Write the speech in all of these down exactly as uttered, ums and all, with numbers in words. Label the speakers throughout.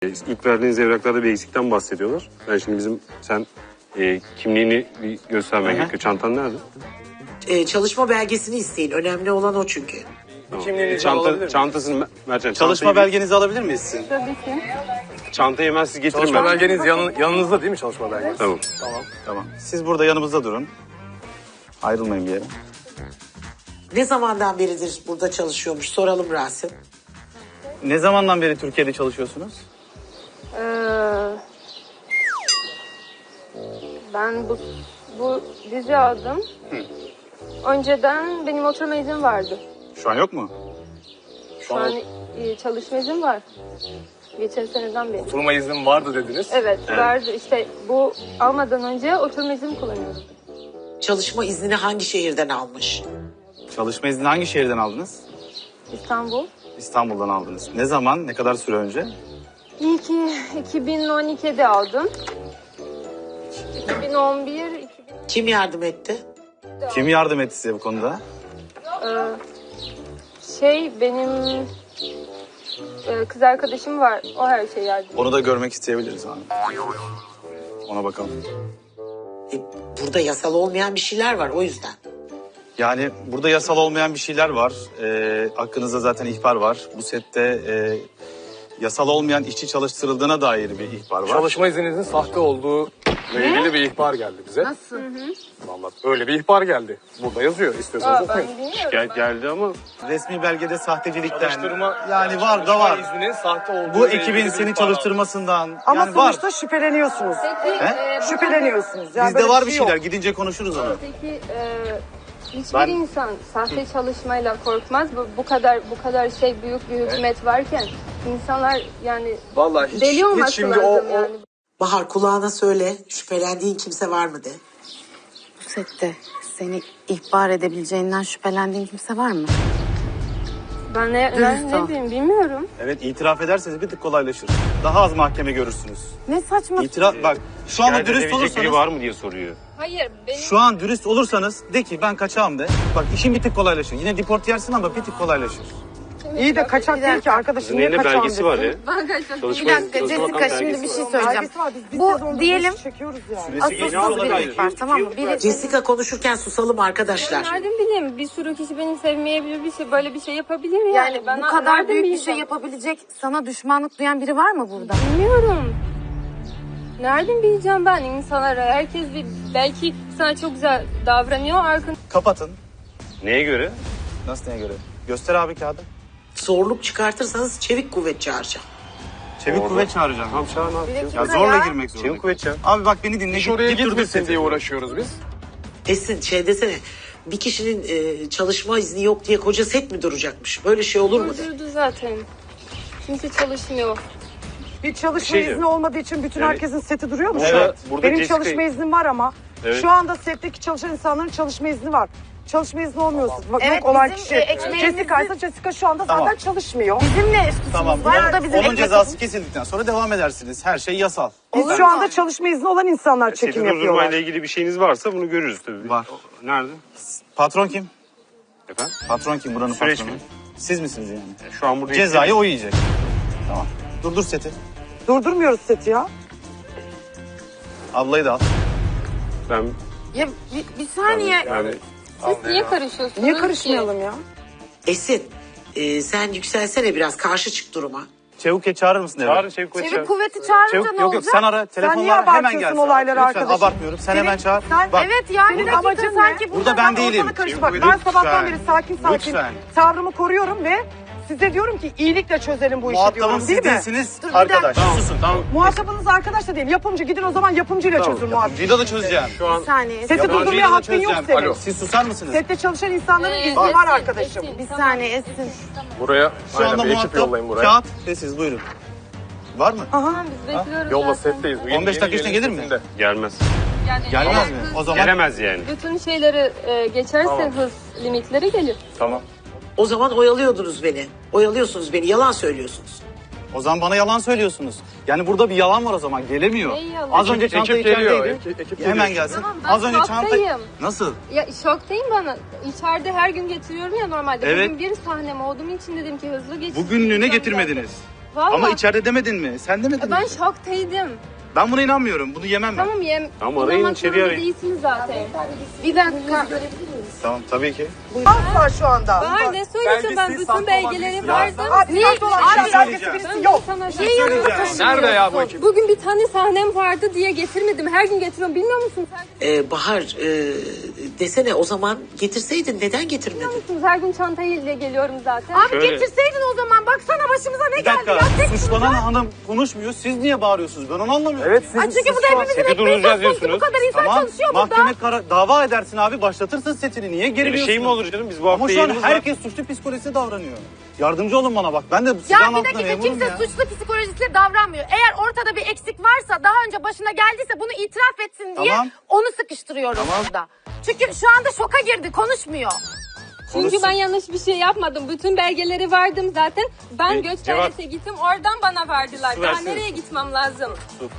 Speaker 1: İlk verdiğiniz evraklarda bir eksikten bahsediyorlar. Ben şimdi bizim sen e, kimliğini bir göstermen gerekiyor. Çantan nerede?
Speaker 2: Ee, çalışma belgesini isteyin. Önemli olan o çünkü.
Speaker 1: Tamam.
Speaker 3: Kimliğinizi
Speaker 1: E, çanta,
Speaker 3: alabilir miyim?
Speaker 1: çantasını Mertcan.
Speaker 3: Çalışma
Speaker 1: çantayı,
Speaker 3: belgenizi alabilir miyiz sizin?
Speaker 4: Tabii ki.
Speaker 1: Çantayı hemen siz getirin.
Speaker 3: Çalışma
Speaker 1: ben.
Speaker 3: belgeniz yanın, yanınızda değil mi çalışma belgeniz?
Speaker 1: Tamam.
Speaker 3: Tamam.
Speaker 5: Tamam. Siz burada yanımızda durun. Ayrılmayın bir yere.
Speaker 2: Ne zamandan beridir burada çalışıyormuş soralım Rasim.
Speaker 5: Ne zamandan beri Türkiye'de çalışıyorsunuz?
Speaker 4: Ee, ben bu bu dizi aldım. Önceden benim oturma iznim vardı.
Speaker 5: Şu an yok mu?
Speaker 4: Şu an e, çalışma iznim var. Geçen seneden beri.
Speaker 3: Oturma iznim vardı dediniz.
Speaker 4: Evet, vardı. İşte bu almadan önce oturma iznim kullanıyordum.
Speaker 2: Çalışma iznini hangi şehirden almış?
Speaker 5: Çalışma izni hangi şehirden aldınız?
Speaker 4: İstanbul.
Speaker 5: İstanbul'dan aldınız. Ne zaman, ne kadar süre önce?
Speaker 4: İyi ki iki bin on ikide aldım. iki bin on bir, iki bin...
Speaker 2: Kim yardım etti?
Speaker 5: Kim yardım etti size bu konuda?
Speaker 4: Ee, şey benim e, kız arkadaşım var. O her şeyi yardım.
Speaker 5: Onu da görmek isteyebiliriz abi. Ona bakalım.
Speaker 2: E, burada yasal olmayan bir şeyler var o yüzden.
Speaker 5: Yani burada yasal olmayan bir şeyler var. Ee, hakkınızda zaten ihbar var. Bu sette e, yasal olmayan işçi çalıştırıldığına dair bir ihbar var.
Speaker 3: Çalışma izninizin sahte olduğu ile ilgili bir ihbar geldi bize. Nasıl? Vallahi öyle bir ihbar geldi. Burada yazıyor. İstiyorsanız
Speaker 4: Aa,
Speaker 3: okuyun.
Speaker 4: ben bilmiyorum.
Speaker 1: Gel, geldi ama
Speaker 5: Resmi belgede sahtecilikten.
Speaker 3: Çalıştırma,
Speaker 5: Yani var da var.
Speaker 3: Çalışma izninin sahte olduğu
Speaker 5: Bu
Speaker 3: ile
Speaker 5: ekibin
Speaker 3: ilgili bir
Speaker 5: seni
Speaker 3: ihbar
Speaker 5: çalıştırmasından.
Speaker 6: Ama
Speaker 5: yani var.
Speaker 6: sonuçta şüpheleniyorsunuz.
Speaker 4: Peki,
Speaker 5: He?
Speaker 4: e, bu
Speaker 6: Şüpheleniyorsunuz. Yani
Speaker 5: Bizde
Speaker 6: böyle
Speaker 5: var bir
Speaker 6: şey
Speaker 5: şeyler.
Speaker 6: yok.
Speaker 5: Gidince konuşuruz onu.
Speaker 4: Peki e, hiçbir
Speaker 5: Ben-
Speaker 4: insan sahte çalışmayla korkmaz. Bu, bu kadar bu kadar şey büyük bir hükümet varken insanlar yani
Speaker 3: Vallahi hiç,
Speaker 4: deli
Speaker 3: hiç
Speaker 4: olması
Speaker 3: şimdi
Speaker 4: lazım
Speaker 3: o, o
Speaker 4: yani.
Speaker 2: Bahar kulağına söyle. Şüphelendiğin kimse var mı de.
Speaker 7: Bu sette seni ihbar edebileceğinden şüphelendiğin kimse var mı?
Speaker 4: Ben ne,
Speaker 7: Dürüst
Speaker 4: ben ne
Speaker 7: ol.
Speaker 4: diyeyim bilmiyorum.
Speaker 5: Evet, itiraf ederseniz bir tık kolaylaşır. Daha az mahkeme görürsünüz.
Speaker 7: Ne saçma.
Speaker 5: İtiraf bak. Şu anda
Speaker 1: şikayet
Speaker 5: dürüst
Speaker 1: edebilecek biri
Speaker 5: olursanız,
Speaker 1: var mı diye soruyor.
Speaker 4: Hayır benim
Speaker 5: şu an dürüst olursanız de ki ben kaçağım de. Bak işin bir tık kolaylaşır. Yine deport yersin ama bir tık kolaylaşır.
Speaker 6: İyi de kaçak değil ki arkadaşım.
Speaker 1: Sizin
Speaker 6: Niye
Speaker 1: elinde
Speaker 6: kaçağım
Speaker 1: belgesi var
Speaker 6: desin?
Speaker 1: ya.
Speaker 4: ben kaçak
Speaker 7: Bir
Speaker 1: Çalışma,
Speaker 7: dakika
Speaker 1: Çalışma
Speaker 7: Jessica
Speaker 1: Bakanı
Speaker 7: şimdi
Speaker 1: belgesi
Speaker 7: bir şey
Speaker 1: var.
Speaker 7: söyleyeceğim.
Speaker 6: Belgesi var. Biz bir
Speaker 7: Bu
Speaker 6: sezonda
Speaker 7: diyelim
Speaker 6: beş çekiyoruz yani.
Speaker 5: Süresi geçmiş
Speaker 7: asılsız bir
Speaker 5: olabilir.
Speaker 7: ihbar tamam mı? Biri
Speaker 2: Jessica konuşurken susalım arkadaşlar.
Speaker 4: nereden bileyim bir sürü kişi beni sevmeyebilir bir şey böyle bir şey yapabilir mi yani?
Speaker 7: yani
Speaker 4: Ben
Speaker 7: bu kadar
Speaker 4: nereden
Speaker 7: büyük bir
Speaker 4: bileceğim?
Speaker 7: şey yapabilecek sana düşmanlık duyan biri var mı burada?
Speaker 4: Bilmiyorum. Nereden bileceğim ben insanlara? Herkes bir belki sana çok güzel davranıyor arkın.
Speaker 5: Kapatın.
Speaker 1: Neye göre?
Speaker 5: Nasıl neye göre? Göster abi kağıdı.
Speaker 2: Zorluk çıkartırsanız çevik kuvvet çağıracağım.
Speaker 5: Çevik
Speaker 1: Orada.
Speaker 5: kuvvet çağıracağım.
Speaker 1: Tamam çağır ne yapacağız?
Speaker 5: Ya zorla girmek zorunda.
Speaker 1: Çevik kuvvet çağır.
Speaker 5: Abi bak beni dinle.
Speaker 3: iş
Speaker 5: Git,
Speaker 3: oraya
Speaker 5: git durdur
Speaker 3: girmesin
Speaker 5: sesi.
Speaker 3: diye uğraşıyoruz biz.
Speaker 2: Esin şey desene. Bir kişinin e, çalışma izni yok diye koca set mi duracakmış? Böyle şey olur mu de.
Speaker 4: Durdurdu zaten. Kimse çalışmıyor.
Speaker 6: Bir çalışma
Speaker 1: şey
Speaker 6: izni
Speaker 1: diyorum.
Speaker 6: olmadığı için bütün
Speaker 1: Yani-
Speaker 6: herkesin seti duruyor mu
Speaker 1: Evet,
Speaker 6: şu an?
Speaker 1: burada
Speaker 6: Benim
Speaker 1: Jessica-
Speaker 6: çalışma iznim var ama
Speaker 1: Evet.
Speaker 6: şu anda setteki çalışan insanların çalışma izni var. Çalışma izni olmuyorsa bak
Speaker 7: Evet,
Speaker 6: yok olan
Speaker 7: bizim,
Speaker 6: kişi.
Speaker 7: e, ekmeğimizi-
Speaker 6: Jessica ise Jessica şu anda
Speaker 5: Tamam.
Speaker 6: zaten çalışmıyor.
Speaker 7: Bizim ne suçumuz
Speaker 5: Tamam.
Speaker 7: var? Bu da bizim
Speaker 5: Onun
Speaker 7: ekmek
Speaker 5: cezası kesildikten sonra devam edersiniz. Her şey yasal.
Speaker 6: Biz şu anda çalışma izni olan insanlar
Speaker 1: Seti
Speaker 6: çekim yapıyorlar.
Speaker 1: durdurmayla ilgili bir şeyiniz varsa bunu görürüz tabii.
Speaker 5: Var.
Speaker 1: Nerede?
Speaker 5: Patron kim?
Speaker 1: Efendim?
Speaker 5: Patron kim buranın
Speaker 1: Süreç
Speaker 5: patronu?
Speaker 1: mi?
Speaker 5: Siz misiniz yani?
Speaker 1: Şu an burada
Speaker 5: Cezayı o yiyecek. Tamam. Durdur seti.
Speaker 6: Durdurmuyoruz seti ya.
Speaker 5: Ablayı da al.
Speaker 1: Ben
Speaker 7: Ya bir, bir saniye.
Speaker 1: yani
Speaker 4: Siz niye karışıyorsunuz?
Speaker 6: Niye
Speaker 4: ki?
Speaker 6: karışmayalım ya?
Speaker 2: Esin e, sen yükselsene biraz karşı çık duruma.
Speaker 5: Çevik çağırır mısın eve?
Speaker 1: çağır çevik kuvvet
Speaker 7: Çevik
Speaker 1: çağır.
Speaker 7: kuvveti çağırınca
Speaker 5: Çevik,
Speaker 7: ne
Speaker 5: yok yok
Speaker 7: olacak?
Speaker 5: sen ara. Telefon
Speaker 6: niye
Speaker 5: var hemen
Speaker 6: abartıyorsun
Speaker 5: gelsin.
Speaker 6: olayları
Speaker 5: Lütfen
Speaker 6: arkadaşım?
Speaker 5: abartmıyorum. Sen
Speaker 6: Senin-
Speaker 5: hemen çağır.
Speaker 6: sen-
Speaker 5: Bak
Speaker 7: Evet yani
Speaker 6: Senin
Speaker 7: bir dakika
Speaker 6: amacın
Speaker 7: sanki
Speaker 6: ne?
Speaker 5: Burada ben değilim.
Speaker 6: Ortalığı karıştır.
Speaker 5: Çevik
Speaker 6: Bak ben
Speaker 5: kuvvet,
Speaker 6: sabahtan
Speaker 5: lütfen.
Speaker 6: beri sakin sakin
Speaker 5: Lütfen.
Speaker 6: tavrımı koruyorum ve size diyorum ki iyilikle çözelim bu işi
Speaker 5: muhatabım
Speaker 6: diyorum
Speaker 5: siz
Speaker 6: değil mi?
Speaker 5: değilsiniz.
Speaker 7: Dur, bir
Speaker 5: Arkadaş.
Speaker 1: Tamam susun tamam.
Speaker 6: Muhatabınız arkadaş da değil. Yapımcı gidin o zaman yapımcıyla çözün muhatabı.
Speaker 5: Vida da çözeceğim.
Speaker 1: Şu an
Speaker 7: bir saniye.
Speaker 6: Seti
Speaker 5: Yabancıyla
Speaker 6: durdurmaya
Speaker 5: da
Speaker 6: hakkın yok
Speaker 5: çözeceğim.
Speaker 6: senin.
Speaker 5: Alo. Siz susar mısınız?
Speaker 6: Sette çalışan insanların
Speaker 4: Ee,
Speaker 6: izni var
Speaker 4: Esin,
Speaker 6: arkadaşım.
Speaker 4: Esin,
Speaker 7: Bir
Speaker 4: tamam.
Speaker 7: saniye Esin.
Speaker 3: Buraya
Speaker 5: Şu anda
Speaker 3: aynen bir ekip
Speaker 5: muhatap
Speaker 3: yollayın buraya.
Speaker 5: kağıt sessiz buyurun. Var mı?
Speaker 4: Tamam biz bekliyoruz
Speaker 3: Yolla
Speaker 4: zaten.
Speaker 3: setteyiz. Bu
Speaker 5: on beş
Speaker 3: yeni
Speaker 5: dakika içinde
Speaker 3: gelin
Speaker 5: gelir mi?
Speaker 3: sesinde.
Speaker 1: gelmez.
Speaker 4: Yani
Speaker 5: Gelmez
Speaker 4: eğer
Speaker 5: mi?
Speaker 4: hız-
Speaker 5: O zaman
Speaker 1: Gelemez yani.
Speaker 4: Bütün şeyleri e, geçerse
Speaker 3: Tamam.
Speaker 4: hız limitleri gelir.
Speaker 3: Tamam.
Speaker 2: O zaman oyalıyordunuz beni. Oyalıyorsunuz beni. Yalan söylüyorsunuz.
Speaker 5: o zaman bana yalan söylüyorsunuz. Yani burada bir yalan var o zaman gelemiyor.
Speaker 4: Ne yalan?
Speaker 5: Az önce
Speaker 3: Ekip-
Speaker 5: çanta
Speaker 3: ekip geliyor,
Speaker 5: içerideydi.
Speaker 3: ekip- ekip
Speaker 5: Hemen
Speaker 3: geliyor.
Speaker 5: gelsin.
Speaker 4: Tamam, ben
Speaker 5: Az önce çanta...
Speaker 4: şoktayım.
Speaker 5: Nasıl?
Speaker 4: Ya şoktayım bana. İçeride her gün getiriyorum ya normalde.
Speaker 5: Evet.
Speaker 4: Bugün bir sahnem olduğum için dedim ki hızlı geçsin.
Speaker 5: Bugünlüğüne
Speaker 4: İnsan
Speaker 5: getirmediniz.
Speaker 4: Vallahi.
Speaker 5: Ama içeride demedin mi? Sen demedin
Speaker 4: Ben
Speaker 5: mi?
Speaker 4: şoktaydım.
Speaker 5: Ben buna inanmıyorum. Bunu yemem ben.
Speaker 4: Tamam yem.
Speaker 1: Tamam, arayın,
Speaker 4: İnanmak
Speaker 1: içeri
Speaker 4: zorunda
Speaker 1: arayın.
Speaker 4: değilsiniz zaten.
Speaker 7: Bir dakika.
Speaker 5: Tamam tabii ki.
Speaker 6: Asla şu anda.
Speaker 4: Var ne söyleyeceğim ben
Speaker 3: Belgesiz saklı
Speaker 4: bütün
Speaker 3: olan
Speaker 4: belgeleri
Speaker 3: birisi
Speaker 4: vardı.
Speaker 6: Abi
Speaker 4: Niye?
Speaker 6: saklı olan
Speaker 5: Bir şey
Speaker 6: belgesi
Speaker 5: söyleyeceğim.
Speaker 6: birisi yok.
Speaker 4: Sana
Speaker 5: Niye söyleyeceğim?
Speaker 3: Nerede ya bu ekip?
Speaker 4: Bugün bir tane sahnem vardı diye getirmedim. Her gün getiriyorum. Bilmiyor musun? Sen
Speaker 2: Ee, Bahar e, desene o zaman getirseydin neden getirmedin?
Speaker 4: biliyor musunuz? Her gün çantayla geliyorum zaten.
Speaker 6: Abi
Speaker 1: Şöyle.
Speaker 6: getirseydin o zaman. Baksana başımıza ne
Speaker 5: Bir
Speaker 6: geldi
Speaker 5: dakika.
Speaker 6: ya. Tek
Speaker 5: Suçlanan hanım konuşmuyor. Siz niye bağırıyorsunuz? Ben onu anlamıyorum.
Speaker 3: Evet siz,
Speaker 6: Ay çünkü
Speaker 3: siz
Speaker 6: bu da
Speaker 3: şu an-
Speaker 6: hepimizin
Speaker 1: Seti
Speaker 6: ekmeği
Speaker 1: durduracağız
Speaker 6: söz konusu. Bu
Speaker 1: diyorsunuz.
Speaker 6: kadar insan
Speaker 5: Tamam.
Speaker 6: çalışıyor burada.
Speaker 5: Mahkeme kara- dava edersin abi. Başlatırsın setini. Niye geri
Speaker 1: Öyle şey mi olur canım? Biz bu hafta
Speaker 5: Ama şu an
Speaker 1: yayınımız var.
Speaker 5: herkes suçlu psikolojisi davranıyor. Yardımcı olun bana bak. Ben de
Speaker 8: Ya
Speaker 5: silahın
Speaker 8: bir
Speaker 5: altında
Speaker 8: dakika
Speaker 5: memurum
Speaker 8: kimse
Speaker 5: ya.
Speaker 8: suçlu psikolojisiyle davranmıyor. Eğer ortada bir eksik varsa daha önce başına geldiyse bunu itiraf etsin diye
Speaker 5: Tamam.
Speaker 8: onu sıkıştırıyorum
Speaker 5: Tamam.
Speaker 8: burada. Çünkü şu anda şoka girdi konuşmuyor.
Speaker 4: Çünkü ben yanlış bir şey yapmadım. Bütün belgeleri vardım zaten. Ben
Speaker 1: Bir
Speaker 4: göç
Speaker 1: cevap-
Speaker 4: dairesi gittim. Oradan bana verdiler.
Speaker 1: Su
Speaker 4: Daha
Speaker 1: versene.
Speaker 4: nereye gitmem lazım?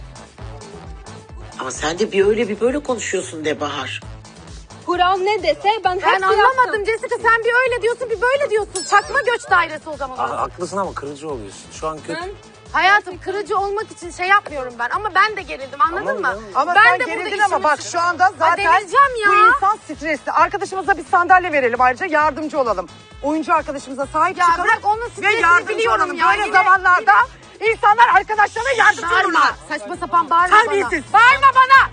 Speaker 2: Ama sen de bir öyle bir böyle konuşuyorsun de Bahar.
Speaker 4: Kural ne dese ben
Speaker 8: Ben
Speaker 4: hepsi
Speaker 8: anlamadım
Speaker 4: yaptım.
Speaker 8: Jessica, sen bir öyle diyorsun bir böyle diyorsun. Çakma göç dairesi o zaman.
Speaker 9: Ha, haklısın ama kırıcı oluyorsun. Şu an kötü.
Speaker 4: Ben
Speaker 8: Hayatım kırıcı olmak için şey yapmıyorum ben ama ben de gerildim anladın mı?
Speaker 6: Ama
Speaker 8: ben
Speaker 6: sen
Speaker 8: de burada
Speaker 6: gerildin
Speaker 8: işimi
Speaker 6: ama bak şu anda zaten
Speaker 8: delireceğim ya.
Speaker 6: bu insan stresli. Arkadaşımıza bir sandalye verelim ayrıca yardımcı olalım. Oyuncu arkadaşımıza sahip
Speaker 8: Ya
Speaker 6: çıkalım.
Speaker 8: bırak onun
Speaker 6: Ve
Speaker 8: stresini
Speaker 6: yardımcı
Speaker 8: biliyorum
Speaker 6: olalım.
Speaker 8: ya.
Speaker 6: Böyle
Speaker 8: Yine-
Speaker 6: zamanlarda insanlar arkadaşlarına yardımcı
Speaker 8: Bağırma.
Speaker 6: olurlar.
Speaker 8: Saçma sapan bağırma
Speaker 6: Terbiyesiz.
Speaker 8: bana. Bağırma bana.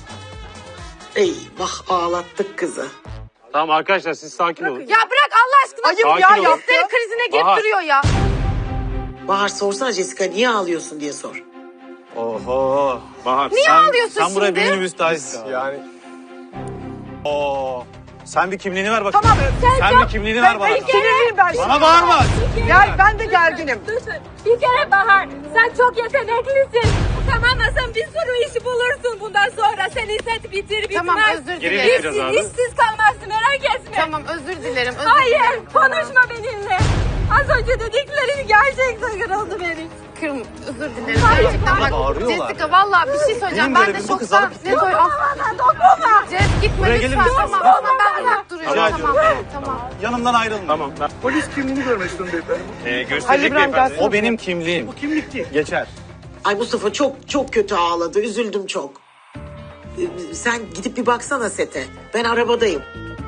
Speaker 2: Eyvah ağlattık kızı.
Speaker 1: Tamam arkadaşlar siz sakin olun.
Speaker 8: Ya bırak Allah aşkına.
Speaker 6: Ayıp
Speaker 1: Sakin
Speaker 6: ya
Speaker 1: olun.
Speaker 6: yaptı.
Speaker 8: Histeri krizine girip
Speaker 1: Bahar.
Speaker 8: duruyor ya.
Speaker 2: Bahar sorsana Jessica niye ağlıyorsun diye sor.
Speaker 5: Oho.
Speaker 1: Bahar.
Speaker 8: Niye
Speaker 5: Sen,
Speaker 8: ağlıyorsun
Speaker 5: sen buraya
Speaker 8: şimdi?
Speaker 5: bir müstahitsin.
Speaker 3: Yani
Speaker 5: Oo. Sen bir kimliğini ver bakayım.
Speaker 6: Tamam,
Speaker 5: Sen,
Speaker 6: sen-
Speaker 5: bir kimliğini
Speaker 6: Ben,
Speaker 5: ver bana.
Speaker 6: ben sinirliyim ben.
Speaker 5: Bana bağırma.
Speaker 6: Gel ben de gerginim.
Speaker 4: Lütfen. Bir kere Bahar, sen çok yeteneklisin. Tamam mı? Sen bir sürü iş bulursun bundan sonra. Senin set bitir bitmez.
Speaker 8: Tamam özür
Speaker 1: Geri
Speaker 8: dilerim.
Speaker 1: biraz
Speaker 4: İşsiz,
Speaker 1: abi.
Speaker 4: işsiz kalmazsın merak etme.
Speaker 8: Tamam özür dilerim. Özür
Speaker 4: Hayır,
Speaker 8: dilerim. Tamam.
Speaker 4: konuşma benimle. Az önce dediklerin gerçekten kırıldı benim.
Speaker 8: Kırm, özür dilerim. Gerçekten bak
Speaker 5: Bağırıyorlar.
Speaker 8: Jessica vallahi bir şey söyleyeceğim.
Speaker 5: Benim
Speaker 8: Ben
Speaker 5: görevim
Speaker 8: de
Speaker 5: bu kızı
Speaker 8: şoktan.
Speaker 5: alıp
Speaker 8: Ne söyle?
Speaker 4: Dokunma.
Speaker 8: Jess gitme
Speaker 5: Buraya
Speaker 8: lütfen.
Speaker 5: gelir misin?
Speaker 8: Tamam
Speaker 5: Lütfen.
Speaker 8: tamam ben uzak duruyorum.
Speaker 5: Rica
Speaker 8: Tamam
Speaker 5: ediyorum.
Speaker 8: tamam.
Speaker 5: Yanımdan ayrılma.
Speaker 1: Tamam. ben-
Speaker 3: polis kimliğini görmek istiyorum beyefendi.
Speaker 1: Ee,
Speaker 6: Halil
Speaker 1: gösterecek
Speaker 6: İbrahim
Speaker 1: beyefendi.
Speaker 6: gelsin.
Speaker 5: O benim kimliğim.
Speaker 3: Bu kimlik değil.
Speaker 5: Geçer.
Speaker 2: Ay Mustafa çok çok kötü ağladı. Üzüldüm çok. Ee, Sen gidip bir baksana sete. Ben arabadayım.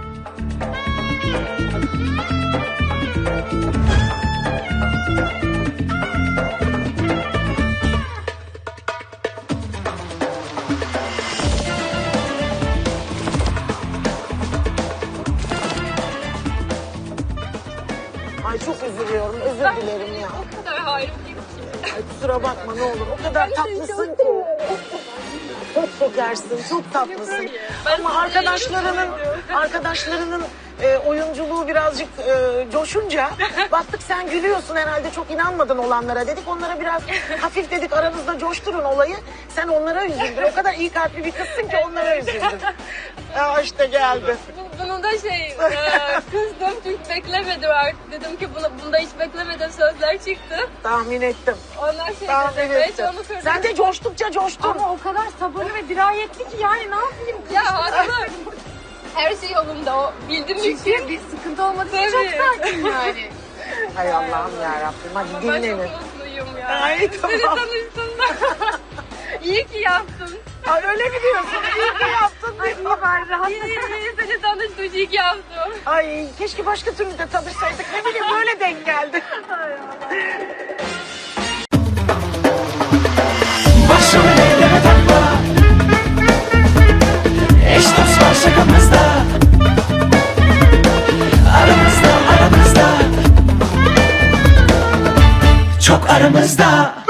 Speaker 2: Ay çok üzülüyorum. Özür dilerim ya.
Speaker 4: O kadar hayrım değil.
Speaker 2: Ay kusura bakma ne olur. O kadar tatlısın ki. Çok şekersin, çok tatlısın. Ama arkadaşlarının arkadaşlarının e, oyunculuğu birazcık e, coşunca baktık sen gülüyorsun herhalde çok inanmadın olanlara dedik. Onlara biraz hafif dedik aranızda coşturun olayı. Sen onlara üzüldün. O kadar iyi kalpli bir kızsın ki onlara üzüldün. Aa işte geldi.
Speaker 4: Bu- Bunu da şey, e, kızdım çünkü beklemedim artık. Dedim ki bunu, bunda hiç beklemeden sözler çıktı.
Speaker 2: Tahmin ettim.
Speaker 4: Onlar şey
Speaker 2: Tahmin
Speaker 4: dedi, ben hiç
Speaker 2: ettim.
Speaker 4: onu kırdım.
Speaker 2: Sen de coştukça coştun.
Speaker 8: Ama o kadar sabırlı ve dirayetli ki yani ne yapayım?
Speaker 4: Ya haklı. Her şey yolunda o bildim için.
Speaker 8: Çünkü bir sıkıntı olmadığı için çok
Speaker 4: Tabii.
Speaker 8: sakin yani.
Speaker 2: Hay Allah'ım yarabbim hadi
Speaker 4: Ben çok
Speaker 2: dinlenin.
Speaker 4: mutluyum ya.
Speaker 2: Ay,
Speaker 4: Seni
Speaker 2: tamam.
Speaker 4: tanıştığımda. İyi ki yaptın.
Speaker 2: Ay öyle mi diyorsun? İyi ki yaptın.
Speaker 4: Ay iyi var rahat. İyi, iyi seni tanıştım. İyi ki yaptım.
Speaker 2: Ay keşke başka türlü de tanışsaydık. Ne bileyim böyle denk geldi.
Speaker 10: Başım ellere takma. Eş dost var şakamızda. Aramızda aramızda. Çok aramızda.